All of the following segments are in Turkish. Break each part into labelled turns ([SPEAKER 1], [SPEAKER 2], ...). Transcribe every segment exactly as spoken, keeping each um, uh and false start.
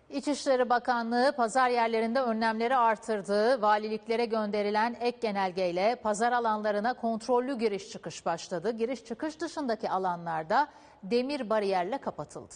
[SPEAKER 1] İçişleri Bakanlığı pazar yerlerinde önlemleri artırdı. Valiliklere gönderilen ek genelgeyle pazar alanlarına kontrollü giriş çıkış başladı. Giriş çıkış dışındaki alanlarda demir bariyerle kapatıldı.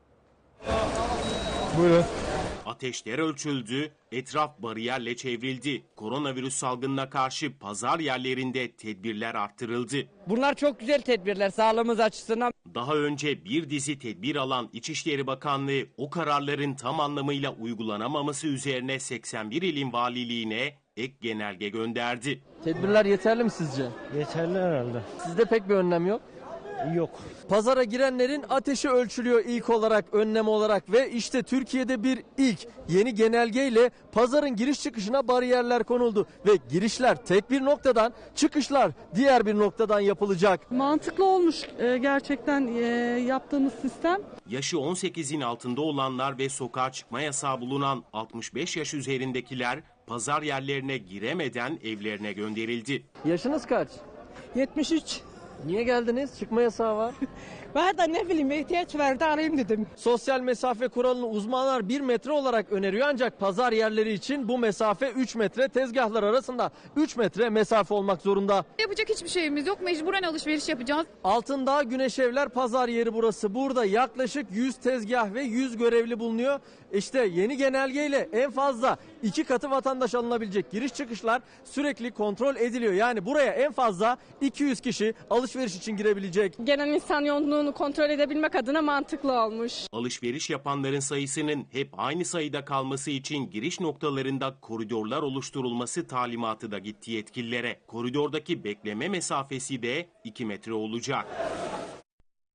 [SPEAKER 2] Buyurun.
[SPEAKER 3] Ateşler ölçüldü, etraf bariyerle çevrildi. Koronavirüs salgınına karşı pazar yerlerinde tedbirler arttırıldı.
[SPEAKER 4] Bunlar çok güzel tedbirler sağlığımız açısından.
[SPEAKER 3] Daha önce bir dizi tedbir alan İçişleri Bakanlığı o kararların tam anlamıyla uygulanamaması üzerine seksen bir ilin valiliğine ek genelge gönderdi.
[SPEAKER 5] Tedbirler yeterli mi sizce?
[SPEAKER 2] Yeterli herhalde.
[SPEAKER 5] Sizde pek bir önlem yok.
[SPEAKER 2] Yok.
[SPEAKER 5] Pazara girenlerin ateşi ölçülüyor ilk olarak, önlem olarak ve işte Türkiye'de bir ilk yeni genelgeyle pazarın giriş çıkışına bariyerler konuldu ve girişler tek bir noktadan, çıkışlar diğer bir noktadan yapılacak.
[SPEAKER 6] Mantıklı olmuş gerçekten yaptığımız sistem.
[SPEAKER 3] Yaşı on sekizin altında olanlar ve sokağa çıkma yasağı bulunan altmış beş yaş üzerindekiler pazar yerlerine giremeden evlerine gönderildi.
[SPEAKER 5] Yaşınız kaç?
[SPEAKER 6] yetmiş üç.
[SPEAKER 5] Niye geldiniz? Çıkma yasağı var.
[SPEAKER 6] Ben de ne bileyim ihtiyaç verdi arayayım dedim.
[SPEAKER 5] Sosyal mesafe kuralını uzmanlar bir metre olarak öneriyor ancak pazar yerleri için bu mesafe üç metre, tezgahlar arasında üç metre mesafe olmak zorunda.
[SPEAKER 7] Yapacak hiçbir şeyimiz yok, mecburen alışveriş yapacağız.
[SPEAKER 5] Altındağ Güneşevler pazar yeri burası. Burada yaklaşık yüz tezgah ve yüz görevli bulunuyor. İşte yeni genelgeyle en fazla iki katı vatandaş alınabilecek giriş çıkışlar sürekli kontrol ediliyor. Yani buraya en fazla iki yüz kişi alışveriş için girebilecek.
[SPEAKER 6] Genel insan yoğunluğunu kontrol edebilmek adına mantıklı olmuş.
[SPEAKER 3] Alışveriş yapanların sayısının hep aynı sayıda kalması için giriş noktalarında koridorlar oluşturulması talimatı da gitti yetkililere. Koridordaki bekleme mesafesi de iki metre olacak.